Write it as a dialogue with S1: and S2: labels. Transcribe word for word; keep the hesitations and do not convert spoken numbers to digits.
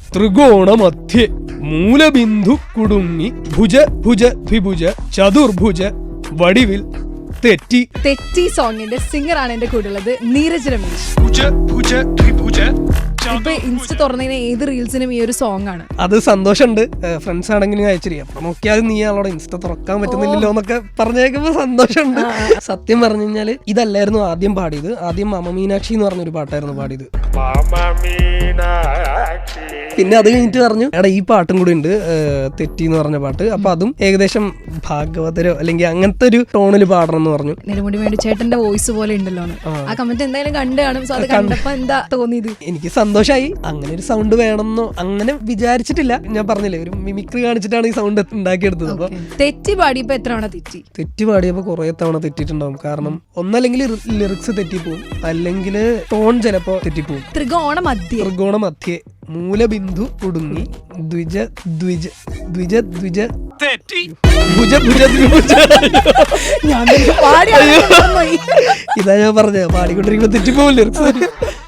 S1: ത്രികോണ മധ്യേ മൂലബിന്ദു കുടുങ്ങി ഭുജ ഭുജ ദ്വിഭുജ ചതുർഭുജ വടിവിൽ തെറ്റി.
S2: തെറ്റി സോങ്ങിന്റെ സിംഗർ ആണ് എന്റെ കൂടെ ഉള്ളത്, നീരജ് രമേശ്.
S1: ഭുജ ഭുജ ദ്വിഭുജ.
S2: ഇപ്പൊ ഇൻസ്റ്റ തുറന്നതിന് ഏത് റീൽസിനും ഈ ഒരു സോങ് ആണ്.
S1: അത് സന്തോഷമുണ്ട്. ഫ്രണ്ട്സ് ആണെങ്കിലും അയച്ചിരിക്കും. അപ്പൊ നോക്കിയാൽ നീ അവളോട് ഇൻസ്റ്റ തുറക്കാൻ പറ്റുന്നില്ലല്ലോ എന്നൊക്കെ പറഞ്ഞേക്കുമ്പോ സന്തോഷമുണ്ട്. സത്യം പറഞ്ഞു കഴിഞ്ഞാല് ഇതല്ലായിരുന്നു ആദ്യം പാടിയത്. ആദ്യം മമ മീനാക്ഷി എന്ന് പറഞ്ഞൊരു പാട്ടായിരുന്നു പാടിയത്. പിന്നെ അത് കഴിഞ്ഞിട്ട് പറഞ്ഞു എടാ ഈ പാട്ടും കൂടി ഉണ്ട്, തെറ്റി എന്ന് പറഞ്ഞ പാട്ട്. അപ്പൊ അതും ഏകദേശം ഭാഗവതരോ അല്ലെങ്കിൽ അങ്ങനത്തെ ഒരു ടോണിൽ പാടണം എന്ന് പറഞ്ഞു.
S2: നെടുമുടി വേണ്ടി ചേട്ടന്റെ വോയിസ് പോലെ ഉണ്ടല്ലോ. ആ കമന്റ് എന്തായാലും കണ്ടു കാണും. സോ അത് കണ്ടപ്പോ എന്താ തോന്നിയത്?
S1: എനിക്ക് സന്തോഷമായി. അങ്ങനെ ഒരു സൗണ്ട് വേണമെന്നോ അങ്ങനെ വിചാരിച്ചിട്ടില്ല. ഞാൻ പറഞ്ഞില്ലേ ഒരു മിമിക്രി കാണിച്ചിട്ടാണ് ഈ സൗണ്ട് ഉണ്ടാക്കിയെടുത്തത്. അപ്പൊ
S2: തെറ്റി പാടിയപ്പോ എത്ര തവണ തെറ്റി?
S1: തെറ്റി പാടിയപ്പോ കുറെ തവണ തെറ്റിയിട്ടുണ്ടാവും. കാരണം ഒന്നല്ലെങ്കിൽ ലിറിക്സ് തെറ്റിപ്പോവും, അല്ലെങ്കിൽ ടോൺ ചിലപ്പോ തെറ്റിപ്പോവും.
S2: ത്രികോണ മധ്യേ
S1: ത്രികോണ മധ്യേ മൂലബിന്ദു കുടുങ്ങി ദ്വിജ ദ്വിജ ദ്വിജ ദ്വിജ തെറ്റി ഭുജ ഭുജ ദ്വിഭുജ.
S2: ഞാൻ പാടി
S1: ഇതാ ഞാൻ പറഞ്ഞത്, പാടിക്കൊണ്ടിരിക്കുമ്പോ തെറ്റിപ്പോവും ലിറിക്സ്.